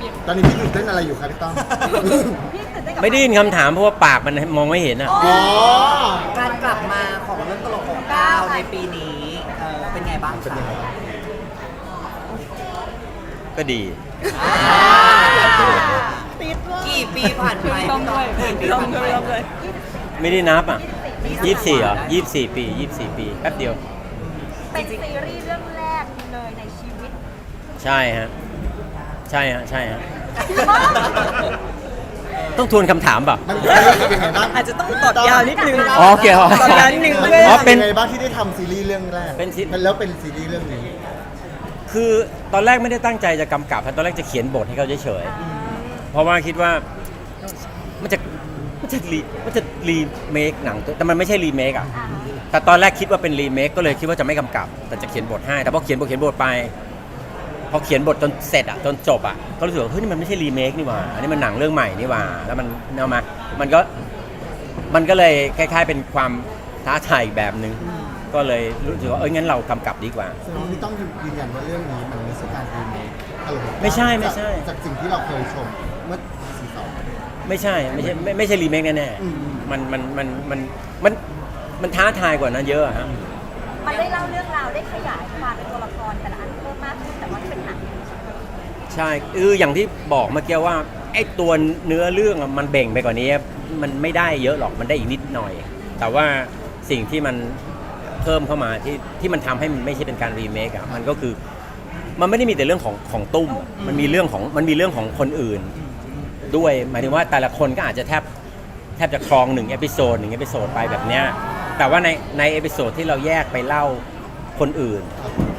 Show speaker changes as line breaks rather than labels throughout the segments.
ตอนนี้พี่ตื่นเต้นอะไรอยู่ครับพี่ต้อม
ไม่ได้ยินคำถามเพราะว่าปากมันมองไม่เห็นอ่ะ
อ๋อ
การกลับมาของเรื่องตลกของก้าวในปีนี้เป็นไงบ้าง
เป็น
คะ
ยังไงบ้าง
ก็ดี
กี่ปีผ่านไป
ต้องด้วย
กี่ปี
ต้อง
ผ่าน
ด้
ไป
วยต้องด้วย
ไม่ได้นับอ่ะ24เหรอ24 ปี24 ปีแป๊บเดียว
เป็นซีรีส์เรื่องแรกเลยในชีวิต
ใช่ฮะ ใช่ฮะ ใช่ฮะ ต้องทวนคำถามเปล่ะ
มันเป็นยังไงบ้าง
อาจจะต้องตอบยาวนิดนึง
อ๋อโอเคอ๋อ
ตอบยาวนิดนึง
มัน
เพื่อ
อ๋อ
เป็นยังไงบ้างที่ได้ทำซีรีส์เรื่องแรก
เป็นซี
แล้วเป็นซีรีส์เรื่องนี้
คือตอนแรกไม่ได้ตั้งใจจะกำกับตอนแรกจะเขียนบทให้เขาเฉยๆเพราะว่าคิดว่ามันจะรีเมคหนังแต่มันไม่ใช่รีเมคอ่ะ แต่ตอนแรกคิดว่าเป็นรีเมคก็เลยคิดว่าจะไม่กำกับ แต่จะเขียนบทให้ แต่พอเขียนบทไปพอเขียนบทจนเสร็จอ่ะจนจบอ่ะก็รู้สึกว่าเฮ้ยนี่มันไม่ใช่รีเมคนี่หว่าอันนี้มันหนังเรื่องใหม่นี่หว่าแล้วมันเอามามันก็เลยคล้ายๆเป็นความท้าทายอีกแบบนึงก็เลยรู้สึกว่างั้นเรากำกับดีกว่า
แสดงว่าพี่ต้องยืนยันว่าเรื่องนี้มันไม่ใช่การรีเมคตลก
ไม่ใช่
จากสิ่งที่เราเคยชมเมื่อซีซั่น
ไม่ใช่รีเมคแน่
อืม
ๆมันท้าทายกว่านั้นเยอะอะฮะ
มันได้เล่าเรื่องราวได้ขยายความเป็นตัวละครแต่ละอันเพิ่มมากขึ้นแต่ว่าที่เป็นหนัง
ใช่อย่างที่บอกเมื่อกี้ว่าไอ้ตัวเนื้อเรื่องอะมันเบ่งไปกว่านี้มันไม่ได้เยอะหรอกมันได้อีกนิดหน่อย แต่ว่าสิ่งที่มันเพิ่มเข้ามาที่มันทำให้มันไม่ใช่เป็นการรีเมคอะมันก็คือมันไม่ได้มีแต่เรื่องของตุ้มมันมีเรื่องของคนอื่นด้วยหมายถึงว่าแต่ละคนก็อาจจะแทบจะครอง1 เอพิโซดไปแบบเนี้ยแต่ว่าในเอพิโซดที่เราแยกไปเล่าคนอื่น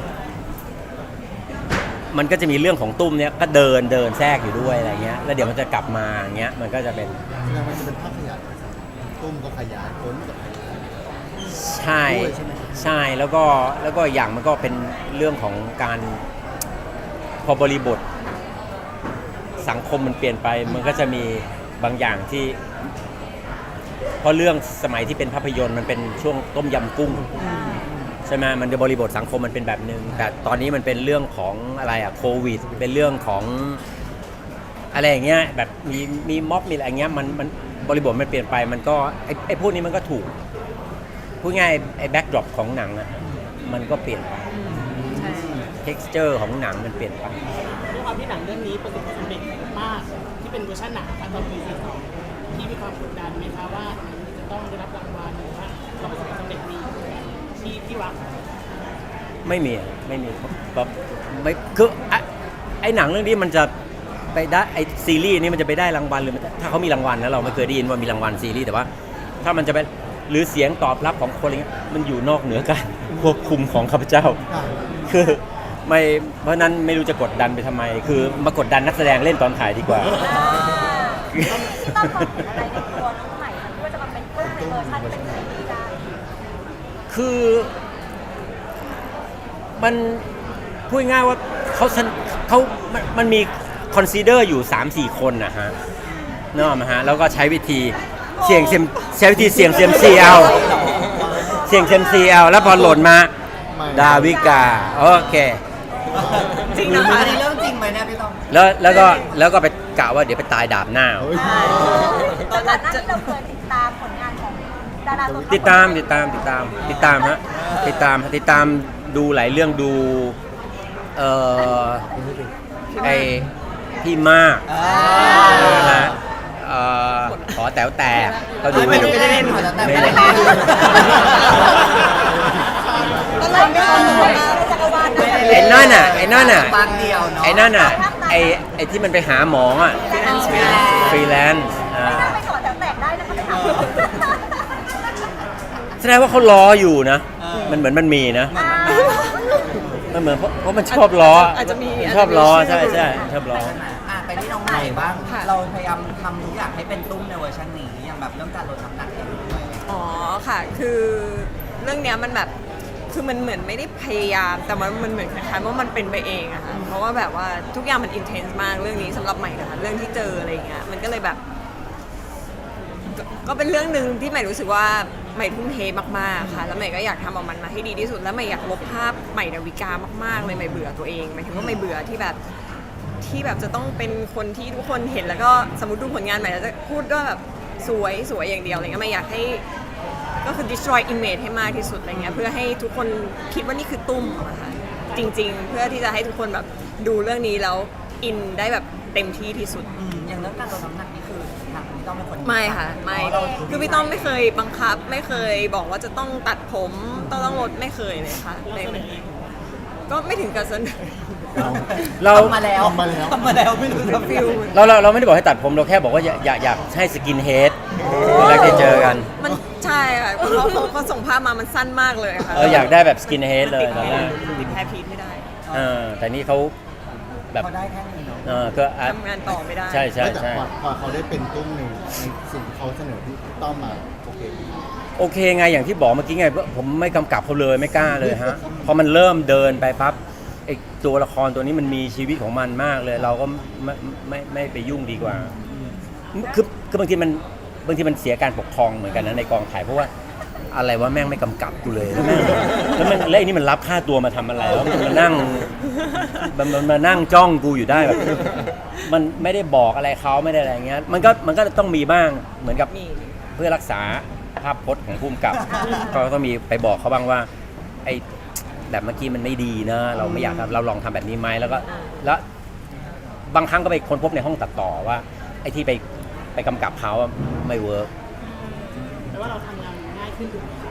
มันก็จะมีเรื่องของตุ้มเนี้ยก็เดินแทรกอยู่ด้วยอะไรเงี้ยแล้วเดี๋ยวมันจะกลับมาอย่างเงี้ยมันก็จะเป็น
แสดงว่ามันจะเป็นภาพขยายตุ้มก็ขยายพ้นก็ขยาย
ใช่แล้วก็อย่างมันก็เป็นเรื่องของการพอบริบทสังคมมันเปลี่ยนไปมันก็จะมีบางอย่างที่เพราะเรื่องสมัยที่เป็นภาพยนตร์มันเป็นช่วงต้มยำกุ้งใช่ไหมมันจะบริบทสังคมมันเป็นแบบนึงแต่ตอนนี้มันเป็นเรื่องของอะไรอะโควิดเป็นเรื่องของอะไรอย่างเงี้ยแบบมีม็อบมีอะไรอย่างเงี้ยมันบริบทมันเปลี่ยนไปมันก็ไอ้พวกนี้มันก็ถูกพูดง่ายไอ้แบ็กดรอปของหนังอะมันก็เปลี่ยนไป texture ของหนังมันเปลี่ยนไป
ด้วยความที่หนังเรื่องนี้ประสบความสำเร็จมากที่เป็นเวอร์ชันหนังค่ะตอนปี42ที่มีความกดดันไหมคะว่าหนังนี้จะต้องได้รับรางวัลหรือว่าเราประสบความสำเร็จมีที่รัก
ไม่มีแบบไม่คือไอ้หนังเรื่องนี้มันจะไปได้ไอ้ซีรีส์นี้มันจะไปได้รางวัลหรือถ้าเขามีรางวัลนะเราไม่เคยได้ยินว่ามีรางวัลซีรีส์แต่ว่าถ้ามันจะไปหรือเสียงตอบรับของคนอะไรเงี้ยมันอยู่นอกเหนือการควบคุมของข้าพเจ้า คือไม่เพราะนั้นไม่รู้จะกดดันไปทำไม คือมากดดันนักแสดงเล่นตอนถ่ายดีกว่า
ที่ต้องมองเห็นอะไรในตัวน้องใหม่ที่ว่าจะมาเป็นเรื่องในเวอร์ชันเป็นซีรีส์ได้
คือมันพูดง่ายว่ามันมีคอนซีเดอร์อยู่ 3-4 คนนะฮะนึกออกไหมฮะแล้วก็ใช้วิธีเสี่ยงเซียมซีเอาแล้วพอหล่นมาดาวิกาโอเค
จริงนะคะ
อันนี้เรื่องจริงไหมเนี่ยพี่ต้อม
แล้วก็ไปกะว่าเดี๋ยวไปตายดาบหน้า
เฮ้ย
ตอนนั้นที่เราเคยติดตามผลงานของดาราตัว
ติดตามฮะติดตามดูหลายเรื่องดูไอพี่มากนะฮะขอแต๋วแต่ก็ดู
ไม่ได้เล่น
ไม่ได้
ตอนแรกไม่ต้องรู้นะจักรวาลนะ
ไอ้นั่นน่ะไอ้
บางเดียวเนาะ
ไอ้นั่นน่ะไอ้ที่มันไปหาหมออ่ะฟรีแลนซ์
ไม่น่าไปก่อนแต่แตกได้นะคะไปถาม
แสดงว่าเขาล้ออยู่นะมันเหมือนมันมีนะมันเหมือนเพราะมันชอบล้ออา
จจะมี
ชอบล้อใช่ชอบล้อ
ไปที่น้องใหม่บ้าง
ค่ะ
เราพยายามทำทุกอย่างให้เป็นตุ้มในเวอร์ชันนี้อย่างแบบเรื่องการลดน้ำหนักเองด้วย
อ๋อค่ะคือเรื่องเนี้ยมันแบบคือมันเหมือนไม่ได้พยายามแต่มันเหมือนคล้ายๆว่ามันเป็นไปเองอะค่ะเพราะว่าแบบว่าทุกอย่างมันอินเทนส์มากเรื่องนี้สำหรับใหม่นะคะเรื่องที่เจออะไรเงี้ยมันก็เลยแบบก็เป็นเรื่องหนึ่งที่ใหม่รู้สึกว่าใหม่ทุ่มเทมากๆค่ะแล้วใหม่ก็อยากทำออกมันมาให้ดีที่สุดแล้วใหม่อยากลบภาพใหม่ดาวิกามากๆเลยใหม่เบื่อตัวเองหมายถึงว่าใหม่เบื่อที่แบบที่แบบจะต้องเป็นคนที่ทุกคนเห็นแล้วก็สมมติดูผลงานใหม่แล้วจะพูดว่าแบบสวยสวยอย่างเดียวอะไรเงี้ยไม่อยากให้ก็คือ destroy image ให้มากที่สุดอะไรเงี้ยเพื่อให้ทุกคนคิดว่านี่คือตุ้มอะค่ะจริงๆ เพื่อที่จะให้ทุกคนแบบดูเรื่องนี้แล้วอินได้แบบเต็มที่ที่สุด
อย่างเรื่องการลดน้ำหนักนี่คือทางพี่ต้องเป็นคน
ไม่ค่ะไม่คือพี่ต้อมไม่เคยบังคับไม่เคยบอกว่าจะต้องตัดผมต้องลดไม่เคยเลยค่ะเลยก็ไม่ถึงกับเสนอ
เรา
ทำมาแล้วไม่รู้จะฟิล
เราไม่ได้บอกให้ตัดผมเราแค่บอกว่าอยากให้สกินเฮดเวลาได้เจอกัน
มันใช่ค่ะเขาส่งภาพมามันสั้นมากเลยค่ะ
อยากได้แบบสกินเฮดเลยตอนแรก
ติดแฮร์พีทไม่ได้
แต่นี่เขาแบบ
เขาได้แค่นี้เนาะ
ก็
ทำงานต่อไม่ได้
ใช่ใช่
แต่
ใช่
พอเขาได้เป็นตุ้มในสิ่งที่เขาเสนอที่ต้องมาโอเค
โอเคไงอย่างที่บอกเมื่อกี้ไงผมไม่กำกับเขาเลยไม่กล้าเลยฮะพอมันเริ่มเดินไปปั๊บไอ้ตัวละครตัวนี้มันมีชีวิตของมันมากเลย เราก็ไม่ไปยุ่งดีกว่าคือบางทีมันเสียการปกครองเหมือนกันนะในกองถ่ายเพราะว่าอะไรว่าแม่งไม่กำกับกูเลยแล้วไอ้นี่มันรับค่าตัวมาทำอะไรแล้วมันมานั่งจ้องกูอยู่ได้แบบมันไม่ได้บอกอะไรเขาไม่ได้อะไรเงี้ยมันก็ต้องมีบ้างเหมือนกับ
มี
เพื่อรักษาภาพพจน์ของผู้กำกับก็ต้องมีไปบอกเขาบ้างว่าไอ้แบบเมื่อกี้มันไม่ดีนะเราไม่อยากเราลองทำแบบนี้ไหมแล้วบางครั้งก็ไปค้นพบในห้องตัดต่อว่าไอ้ที่ไปกำกับเขาไม่เวิร์ก
แต่ว่าเราทำงานง่ายขึ้นถูกไหมคะ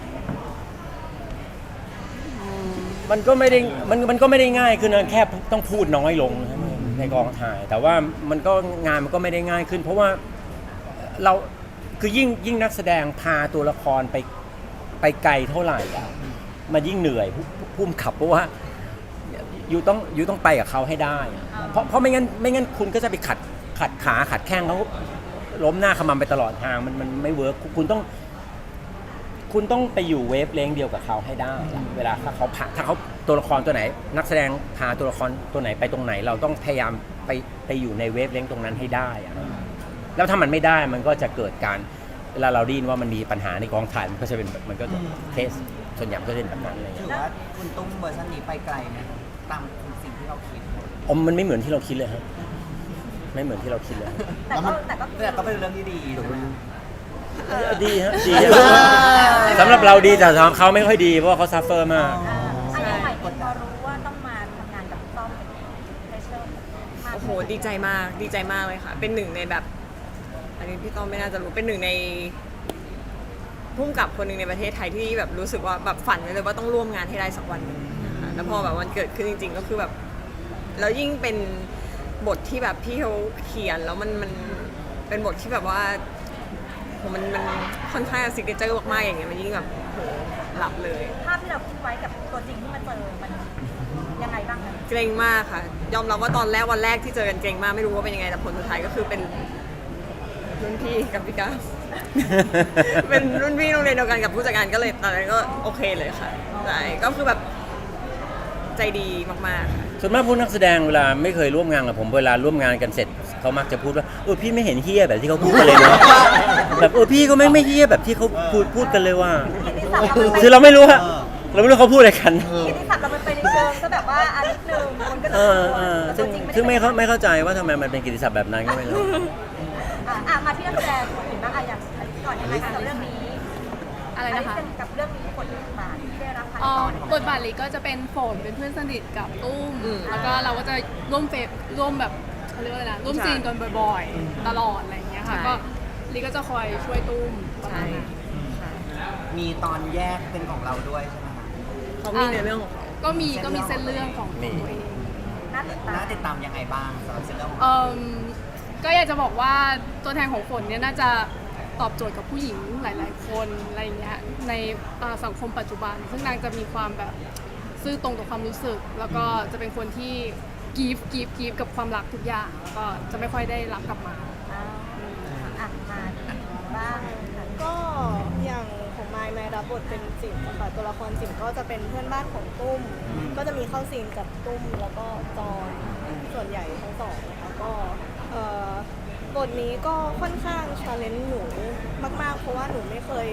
มันก็ไม่ได้ง่ายขึ้นนะแค่ต้องพูดน้อยลงในกองถ่ายแต่ว่ามันก็งานมันก็ไม่ได้ง่ายขึ้น เพราะว่าเราคือยิ่งนักแสดงพาตัวละครไปไกลเท่าไหร่อะมันยิ่งเหนื่อยพุ่มขับเพราะว่าอยู่ต้องไปกับเขาให้ได้อะเพราะไม่งั้นคุณก็จะไปขัดขาขัดแข้งเขาล้มหน้าขมำไปตลอดทางมันไม่เวิร์กคุณต้องไปอยู่เวฟเลนเดียวกับเขาให้ได้อะเวลาถ้าเขาตัวละครตัวไหน นักแสดงพาตัวละครตัวไหนไปตรงไหน เราต้องพยายามไปอยู่ในเวฟเลนตรงนั้นให้ได้อะแล้วถ้ามันไม่ได้มันก็จะเกิดการเวลาเราได้ยินว่ามันมีปัญหาในกองถ่ายมันก็จะเป็นมันก็จะเคสส่วนใหญ่ก็จะเป็นแบบนั้นเลย
ถือว่าคุณตุ้มเวอร์ชันนี้ไปไกลไหมตามสิ่งที่เราคิด
มันไม่เหมือนที่เราคิดเลยครับไม่เหมือนที่เราคิดเลย
แต่ก็
แต่ก็เป็นเรื่องที่ดีถูกไหม
ดีฮะดีสำหรับเราดีแต่สำหรับเขาไม่ค่อยดีเพราะว่าเขาซัฟเฟอร์มาก
อย่างใหม่พอรู้ว่าต้องมาทำงานกับพี่ต้อมเป็นเพรสเชอร์มาก
โอ้โหดีใจมากเลยค่ะ เป็นหนึ่งในแบบ อันนี้พี่ต้อมไม่น่าจะรู้เป็นหนึ่งในพุ่มกับคนหนึ่งในประเทศไทยที่แบบรู้สึกว่าแบบฝันไว้เลยว่าต้องร่วมงานให้ได้สักวันหนึ่งนะคะแล้วพอแบบวันเกิดขึ้นจริงๆก็คือแบบแล้วยิ่งเป็นบทที่แบบพี่เขาเขียนแล้วมันเป็นบทที่แบบว่าโหมันค่อนข้างซิกเนเจอร์มากๆอย่างเงี้ยมันยิ่งแบบโหหลับเลย
ภาพที่เราคิดไว้กับตัวจริงที่มาเจอมันยังไงบ้างคะ
เกรงมากค่ะ ยอมรับว่าตอนแรกวันแรกที่เจอกันเกรงมากไม่รู้ว่าเป็นยังไงแต่ผลสุดท้ายก็คือเป็นรุ่นพี่กับพี่ก้าว เป็นรุ่นพี่โรงเรียนเดียวกันกับผู้จัดการก็เลยตอนนั้นก็โอเคเลยค่ะใช่ก็คือแบบใจดีมากๆค่ะ
ส่วนมากพวกนักแสดงเวลาไม่เคยร่วมงานกับผมเวลาร่วมงานกันเสร็จเขามักจะพูดว่าพี่ไม่เห็นเฮี้ยแบบที่เขาพูดกันเลยเนาะ แบบพี่ก็ไม่เฮี้ยแบบที่เขาพูดกันเลยว่า คือเราไม่รู้ฮะเราไม่รู้เขาพูดอะไรกัน
กิตติศัพท์เรามันไปในเชิงก็แบบว่าอันนิดนึงคนก็
ซึ่งไม่เข้าใจว่าทำไมมันเป็นกิตติศัพท์แบบนั้นก็ไม่รู้
มาที่นักแสดงคนอื่นบ้างอย่างก่อนยังไงกับเรื่องนี้
อะไรนะคะ
กับเรื่องนี้บทบาทที่ได้รับการ
อ๋อ
ต่อบ
ทบาทลีก็จะเป็นฝนเป็นเพื่อนสนิทกับตุ้ม
อืม
แล้วก็เราก็จะร่วมแบบเขาเรียกว่าอะไรนะร่วมซีนกันบ่อยๆ ตลอดอะไรอย่างเงี้ยค่ะ
ใช่
ก็ลีก็จะคอยช่วยตุ้มประมา
ใช่
ณนั้น
ใช่
มีตอนแยกเป็นของเราด้วยใช่ไหมคะ
เขามีในเรื่องของเขา
ก็มีเส้นเรื่องของตัวเอง
น่าติดตาม
น่าติดตามยังไงบ้างสำหรับเรื่องของ
ก็อยากจะบอกว่าตัวแทนของฝนเนี่ยน่าจะตอบโจทย์กับผู้หญิงหลาย ๆ คนอะไรอย่างเงี้ยในสังคมปัจจุบัน ซึ่งนางจะมีความแบบซื่อตรงต่อความรู้สึก แล้วก็จะเป็นคนที่กีฟกับความรักทุกอย่างแล้วก็จะไม่ค่อยได้รับกลับมา
มาบ้าง
ก็อย่างของไมรับบทเป็นจิ๋มค่ะตัวละครจิ๋มก็จะเป็นเพื่อนบ้านของตุ้ม ก็จะมีเข้าซีนกับตุ้มแล้วก็จอนส่วนใหญ่ทั้งสองนะคะก็บทนี้ก็ค่อนข้างชาเลนจ์หนูมากๆเพราะว่าหนูไม่เคย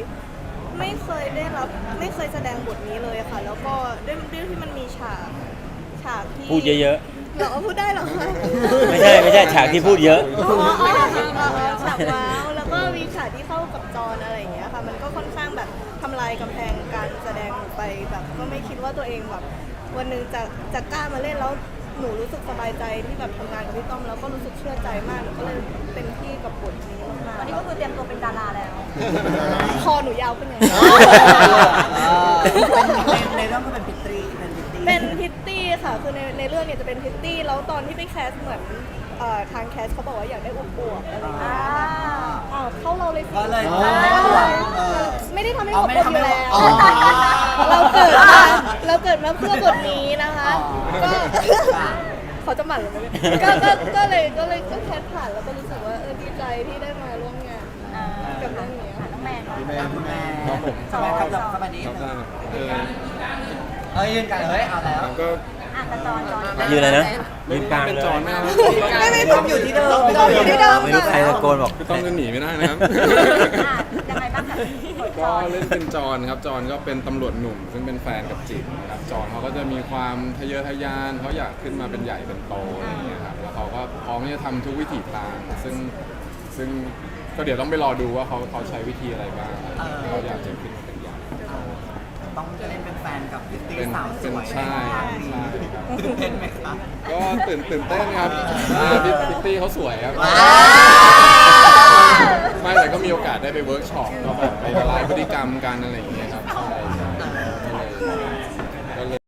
แสดงบทนี้เลยค่ะ แล้วก็ด้วยที่มันมีฉากที่
พูดเยอะ
เหรอพูดได้เหรอคะ
ไม่ใช่ฉากที่พูดเยอะ
ฉากว้าวแล้วก็มีฉากที่เข้ากับจอนอะไรอย่างเงี้ยค่ะมันก็ค่อนข้างแบบทำลายกำแพงการแสดงหนูไปแบบก็ไม่คิดว่าตัวเองแบบวันหนึ่งจะกล้ามาเล่นแล้วหนูรู้สึกสบายใจที่แบบทำงานกับพี่ต้อมแล้วก็รู้สึกเชื่อใจมากหนูก็เลยเต็มที่กับบทนี้มา
ตอนนี้ก็คือเตรียมตัวเป็นดาราแล้ว
คอหนูยาวขึ้นไง
ในเรื่องก็เป็นพิตรี
เป็นพิตตี้ค่ะคือในเรื่องเนี่ยจะเป็นพิตตี้แล้วตอนที่ไปแคสเหมือนทางแคสเขาบอกว่าอยากได้อวบๆอะไรอย่างเงี้ยอ้าวเข้าเราเลยสิ
ก็เลยทำให้อวบ
ไม่ได้ทำให้
อ๋
อ
อ
วบ
ไม่ได้
อ
ทำให้
ยู่แล้ว
อ๋อ
เราเกิดมาเพื่อบทนี้นะคะก็เขาจะหมั่นหรือไม่ก็เลยแคสผ่านแล้วก็รู้สึกว่าดีใจที่ได้มาร่วมงานกับเรื่องนี้ค่ะ
น้องแมน
พี่แม่
คุณแม่
ครับผม
สบายครับสบายดี
ครับได้
ยืนกันเลยเอาแล้ว
ก็
อ่ะกระจอนจอน
ยืนเลยนะยืนกลาง
เป็น
เลย
จอนไหมครับ
ไม่ต้องอยู่ที่เดิม
ต้องอยู่ที่เดิม
ไม่รู้ใครตะโกนบอก
พี่ต้องจะหนีไม่ได้นะครับ
อ่ะยังไงบ้างคะบทจ
ก็
อน
เล่นเป็นจอนครับ จอนก็เป็นตำรวจหนุ่ม ซึ่งเป็นแฟนกับจิ๋มครับจอนเขาก็จะมีความทะเยอทะยานเขาอยากขึ้นมาเป็นใหญ่เป็นโตอะไรอย่างเงี้ยครับแล้วเขาก็พร้อมที่จะทำทุกวิถีทางซึ่งก็เดี๋ยวต้องไปรอดูว่าเขาใช้วิธีอะไรบ้างเขาอยากจะขึ้นมาเป็นใหญ่
ต้องเล่นเป็นแฟนกับพิตตี้
เป็น
สาวส
เป็น
วย
ใช่ครับ
ตื่นเต้นไหมคะ
ก็ตื่นเต้นครับพี่พิตตี้เขาสวยครับ ไม่แต่ก็มีโอกาสได้ไปเวิร์กช็อปก็แบบไปละลายพฤติกรรมกันอะไรอย่างเงี้ยครับใช่ก็เลย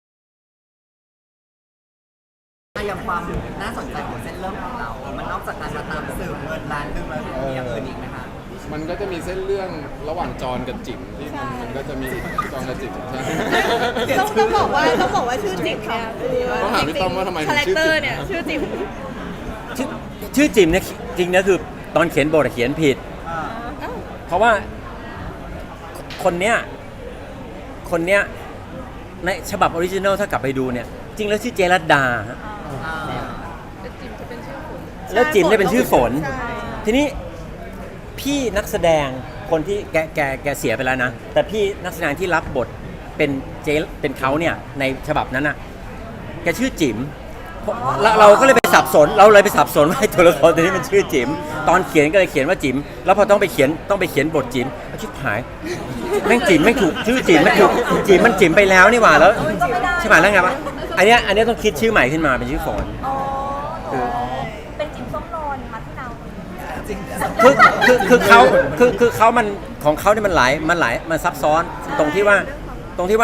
อย่างความน่าสนใจของเส้นเรื่องของเรา มันนอกจากการมาตามสืบเงินล้านหนึงแล้วมีอย่างอื่นอีกไหมคะ
มันก็จะมีเส้นเรื่องระหว่างจอนกับจิ๋มที่มันก็จะมีจอนกับจิ๋มใช่
ต้องบอกว่าชื่อจิ๋มเนี่ยคือ
ต้องถามพี่ต้อมว่าทำไมถึ
คาง แรค
ชื่อ
เตอ
จิ๋
ร์
ม
เนี่ยชื่อจิ๋ม
ชื่อจิมเนี่ยจริงนะคือตอนเขียนบทเขียนผิด เพราะว่าคนเนี้ยในฉบับออริจินัลถ้ากลับไปดูเนี่ย จริงแล้วชื่อเจรัตดาฮะแล้วจิมเนี่ยเป็นชื่อฝน
ใช่
ทีนี้พี่นักแสดงคนที่แกเสียไปแล้วนะ แต่พี่นักแสดงที่รับบทเป็นเขาเนี่ยในฉบับนั้นน่ะแกชื่อจิ๋มเราก็เลยไปสับสนว่าไอ้ตัวละครตัวนี้มันชื่อจิ๋มตอนเขียนก็เลยเขียนว่าจิ๋มแล้วพอต้องไปเขียนบทจิ๋มชิบหายแม่งจิ๋มไม่ถูกชื่อจิ๋มไม่ถูกจิ๋มมันจิ๋มไปแล้วนี่หว่าแล้วใช่ไหมแล้วไงวะอันเนี้ยต้องคิดชื่อใหม่ขึ้นมาเป็นชื่อฝน
อ๋อเป็นจิ๋มส้มโนนมาที่เรา
จริง
คือเขามันของเขาเนี่ยมันมันซับซ้อนตรงที่ว่า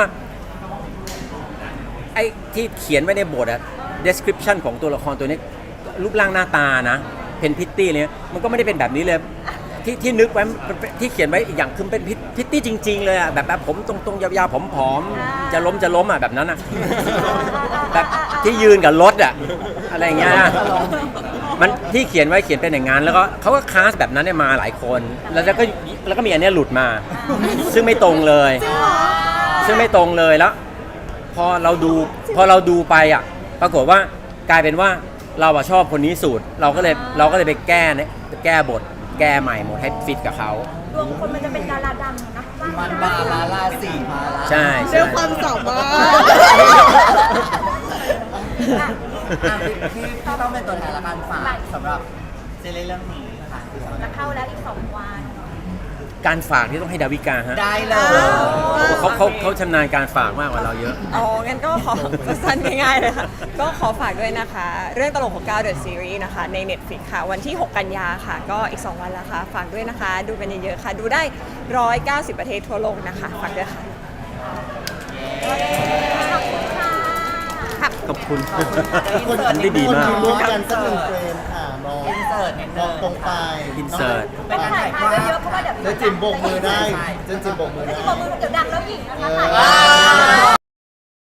ไอ้ที่เขียนไว้ในบทอะ description ของตัวละครตัวนี้รูปร่างหน้าตานะเป็นพิตตี้เลยมันก็ไม่ได้เป็นแบบนี้เลยที่นึกไว้ที่เขียนไว้อีกอย่างคือเป็นพิตตี้จริง ๆ เลยอะแบบผมตรงๆยาวๆผอมๆจะล้มอะแบบนั้นอะแบบที่ยืนกับรถอะอะไรอย่างเงี้ยนะมันที่เขียนไว้เขียนเป็นอย่างนั้นแล้วก็เขาก็คลาสแบบนั้นเนี่ยมาหลายคนแล้วก็มีอันเนี้ยหลุดมา ซึ่งไม่ตรงเลยแล้วพอเราดูไปอ่ะปรากฏว่ากลายเป็นว่าเราชอบคนนี้สุดเราก็เลยไปแก้บทแก้ใหม่หมดให้ฟิตกับเขา
ดวงคนมันจะเป็นดาราดังนะ
มันบาลาสีมาลา
ใช่
ด้วยความสามารถ
พี่ต้องเป็นตัวแทนละกันฝากสำหรับซีรีส์เรื่องนี้ค่ะ
จะเข้าแล้วอีก2 วัน
การฝากที่ต้องให้ดาวิกาฮะ
ได้เลย
เขาชำนาญการฝากมากกว่าเราเยอะ
อ๋อ งั้นก็ขอสั้นง่ายๆเลยค่ะ ก็ขอฝากด้วยนะคะ เรื่องตลก69 The Series นะคะ ใน Netflix ค่ะ วันที่ 6 กันยาค่ะ ก็อีก 2 วันแล้วค่ะ ฝากด้วยนะคะ ดูกันเยอะๆค่ะ ดูได้ 190 ประเทศทั่วโลกนะคะ ฝากด้วยค่ะ
ขอบคุณ
คน
อันได้ดีมาก
ร่วมกันสักหนึ่งเฟรมค่ะมอง
อินเสิร์ตนิด
ม
นึ
อง
ง
ตรงไป
อินเสิร์ต
เป็นการ
ถ่า
ถ่าย ย
ภา
ภา
พเย
พ
อะๆเพราะว่าเดี๋ยว
เจนจิมโบกมือได้เจนจิมโบกมือได้
จิมบอกมือเดี๋ยวดังแล้วหญิงนะคะถ่าย
ว้าว